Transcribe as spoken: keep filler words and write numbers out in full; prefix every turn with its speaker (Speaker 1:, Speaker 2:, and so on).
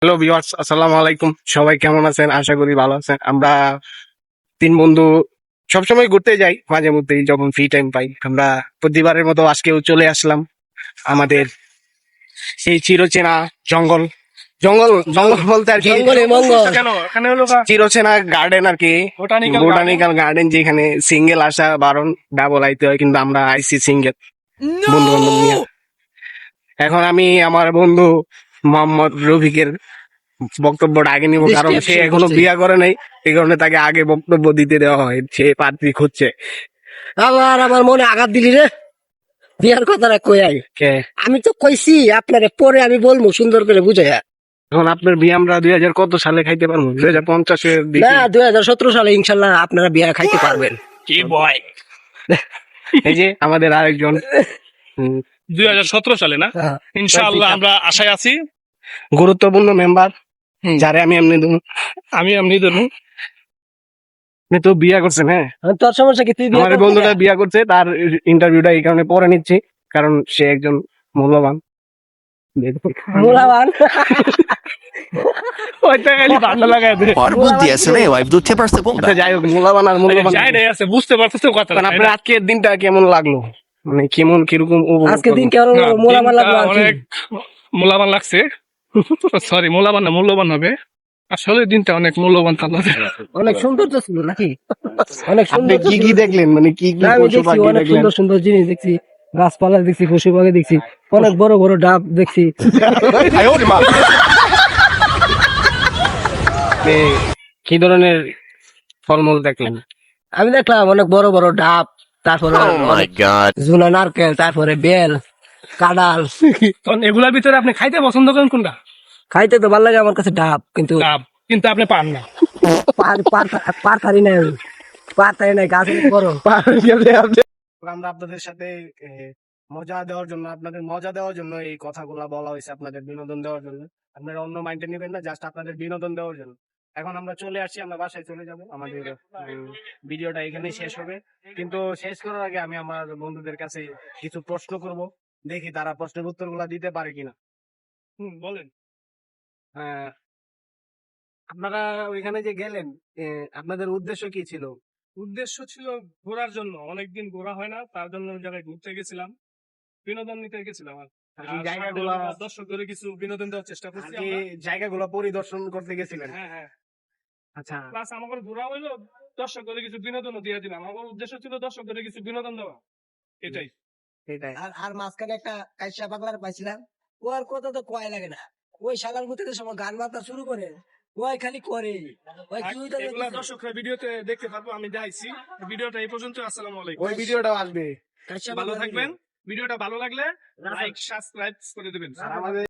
Speaker 1: Hello viewers, আসসালামু আলাইকুম। সবাই কেমন আছেন? আশা করি ভালো আছেন। আমরা তিন বন্ধু সবসময় ঘুরতে যাই, মাঝে মধ্যেই যখন ফ্রি টাইম পাই। আমরা প্রতিবারের মতো আজকেও চলে আসলাম আমাদের সেই চিরচেনা জঙ্গল জঙ্গল জঙ্গল বলতে আর কি
Speaker 2: জঙ্গলে মঙ্গল।
Speaker 1: কেন এখানে হলো চিরচেনা গার্ডেন আর কি,
Speaker 2: Botanical
Speaker 1: বোটানিক্যাল গার্ডেন, যেখানে সিঙ্গেল আসা বারণ, ডাবল আইতে হয়, কিন্তু আমরা আইসি সিঙ্গেল বন্ধু বান্ধব নিয়ে। এখন আমি আমার বন্ধু মোহাম্মদ রফিকের বক্তব্যটা আগে নিব, কারণ সে এখনো বিয়ে করে নাই, এই কারণে তাকে আগে বক্তব্য দিতে দেওয়া হয়। সে পাত্রী খুঁজছে।
Speaker 2: আবার আমার মনে আঘাত দিলি রে, বিয়ার কথাটা কই আই।
Speaker 1: কে?
Speaker 2: আমি তো কইছি আপনারে, পরে আমি বলবো সুন্দর করে বুঝাইয়া।
Speaker 1: এখন আপনার বিয়ে আমরা দুই হাজার কত সালে খাইতে পারবো? দুই হাজার পঞ্চাশের দিকে।
Speaker 2: না, দুই হাজার সতেরো সালে ইনশাল্লাহ আপনারা বিয়া খাইতে পারবেন।
Speaker 1: কি বয়? এই যে আমাদের আরেকজন উম,
Speaker 3: দুই হাজার সতেরো সালে না,
Speaker 2: হ্যাঁ।
Speaker 3: ইনশাআল্লাহ আমরা আশায় আছি।
Speaker 1: গুরুত্বপূর্ণ মেম্বার, যারে আমি এমনি দেবো।
Speaker 3: আমি এমনি ধরুন
Speaker 1: আপনি তো বিয়ে করছেন? হ্যাঁ,
Speaker 2: আর তোর সমস্যা কি? তুই বিয়ে
Speaker 1: আমার
Speaker 2: করবি
Speaker 1: বন্ধুটা
Speaker 2: না?
Speaker 1: বিয়ে করছে, তার ইন্টারভিউটা এই কারণে পরে নিচ্ছি, কারণ সে একজন মূল্যবান।
Speaker 2: মূলাবান।
Speaker 1: ওইটা খালি ভালো লাগায় দে।
Speaker 4: Ora buldhi aise ne wife duthe parse
Speaker 1: আচ্ছা,
Speaker 4: bomba.
Speaker 1: যাই হোক, মূল্যবান আর মূল্যবান।
Speaker 3: যাই নাই আছে, বুঝতে পারতেছো কথা।
Speaker 1: কারণ আপনার আজকের দিনটা কেমন লাগলো, মানে কেমন কিরকম উপভোগ
Speaker 2: আজকে দিন
Speaker 1: করলেন?
Speaker 2: কেমন মূলাবান লাগলো? আর কি?
Speaker 3: অনেক মূল্যবান লাগছে। সরি, মূল্যবান না, মূল্যবান হবে। আসলে দিনটা অনেক মূল্যবান থাকলো।
Speaker 2: অনেক সুন্দর তো ছিল নাকি? অনেক
Speaker 1: আপনি
Speaker 2: সুন্দর তো
Speaker 1: কি কি
Speaker 2: ছিল।
Speaker 1: দেখলেন, মানে কি কি
Speaker 2: না, আমি
Speaker 1: পশু
Speaker 2: দেখছি
Speaker 1: পাখি
Speaker 2: অনেক
Speaker 1: দেখলেন?
Speaker 2: সুন্দর সুন্দর জিনিস দেখছি, গাছপালা দেখছি, পশু পাখি দেখছি, অনেক বড় বড় ডাব দেখছি।
Speaker 1: আপনি কি ধরনের ফলমূল দেখলেন?
Speaker 2: আমি দেখলাম অনেক বড় বড় ডাব, তারপরে
Speaker 4: Oh my god.
Speaker 2: ঝুনা নারকেল, তারপরে বেল, কাঁঠাল।
Speaker 3: তখন এগুলার ভিতরে আপনি খাইতে পছন্দ করেন কোনটা?
Speaker 2: খাইতে তো ভালো লাগে আমার কাছে ডাব, কিন্তু
Speaker 3: ডাব, কিন্তু আপনি পান না।
Speaker 2: পার- পার- পার পারি নাই আমি, পার পারি নাই, গাছ অনেক বড়।
Speaker 1: আমরা আপনাদের সাথে এ, মজা দেওয়ার জন্য, আপনাদের মজা দেওয়ার জন্য এই কথাগুলা বলা হয়েছে, আপনাদের বিনোদন দেওয়ার জন্য। আপনারা অন্য মাইন্ডে নেবেন না, জাস্ট আপনাদের বিনোদন দেওয়ার জন্য। এখন আমরা চলে আসছি, আমরা বাসায় চলে যাব। আমাদের উম, ভিডিওটা এখানেই শেষ হবে, কিন্তু শেষ করার আগে আমি আমার বন্ধুদের কাছে কিছু প্রশ্ন করব, দেখি তারা প্রশ্নের উত্তরগুলা দিতে পারে কিনা।
Speaker 3: হুম, বলেন।
Speaker 1: আহ, আপনারা ওইখানে যে গেলেন, এ, আপনাদের উদ্দেশ্য কি ছিল?
Speaker 3: উদ্দেশ্য ছিল ঘোরার জন্য, অনেকদিন ঘোরা হয় না, তার জন্য ওই জায়গায় ঘুরতে গেছিলাম, বিনোদন নিতে গেছিলাম। আর
Speaker 1: আর কি জায়গাগুলা
Speaker 3: দর্শকদের কিছু বিনোদন দেওয়ার চেষ্টা
Speaker 1: আর
Speaker 3: করছি
Speaker 1: কি
Speaker 3: আমরা।
Speaker 1: জায়গাগুলো পরিদর্শন করতে গেছিলেন?
Speaker 3: হ্যাঁ হ্যাঁ,
Speaker 1: আচ্ছা,
Speaker 3: প্লাস আমাদের ঘোরা হইলো, দর্শকদের কিছু বিনোদনও দিয়ে দিলাম। আমার উদ্দেশ্য ছিল দর্শকদের কিছু বিনোদন দেওয়া, এটাই।
Speaker 1: সেটাই।
Speaker 2: আর আর মাঝখানে একটা কাইসা পাগলার পাইছিলাম, ও আর কথা তো কয় লাগে না, ওই শালার মধ্যে যে সময় গান বাজনা শুরু করে, ওই খালি করে ওই কি হইতো
Speaker 3: এগুলা
Speaker 2: দেখি?
Speaker 3: দর্শকরা ভিডিওতে দেখতে পারবো, আমি যাইছি। ভিডিওটা এই পর্যন্ত। আসসালামু আলাইকুম।
Speaker 1: ওই ভিডিওটাও আসবে।
Speaker 2: কাইসা
Speaker 3: ভালো
Speaker 2: পাগলার
Speaker 3: থাকবেন। ভিডিওটা ভালো লাগলে লাইক সাবস্ক্রাইব করে দেবেন।
Speaker 1: আর আমাদের